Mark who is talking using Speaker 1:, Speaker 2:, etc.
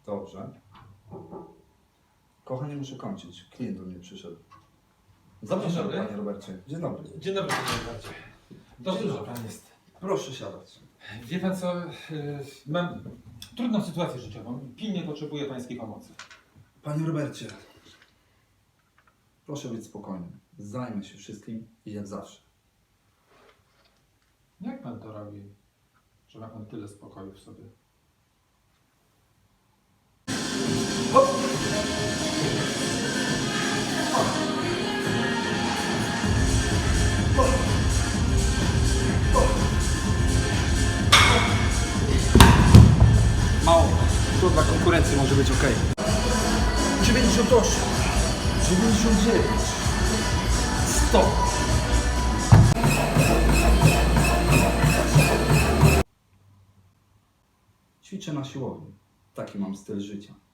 Speaker 1: Dobrze. Kochanie, muszę kończyć. Klient do mnie przyszedł. Zapraszam,
Speaker 2: dobry.
Speaker 1: panie Robercie. Dzień dobry.
Speaker 2: Dzień dobry, panie Robercie. To
Speaker 1: Dzień
Speaker 2: dużo
Speaker 1: dobry.
Speaker 2: pan jest.
Speaker 1: Proszę siadać.
Speaker 2: Wie pan co, mam trudną sytuację życiową. Pilnie potrzebuję pańskiej pomocy.
Speaker 1: Panie Robercie, proszę być spokojny. Zajmę się wszystkim i jak zawsze.
Speaker 2: Jak pan to robi, że ma pan tyle spokoju w sobie?
Speaker 1: Mało. To dla konkurencji może być ok. 98, 99, 100. Ćwiczę na siłowni. Taki mam styl życia.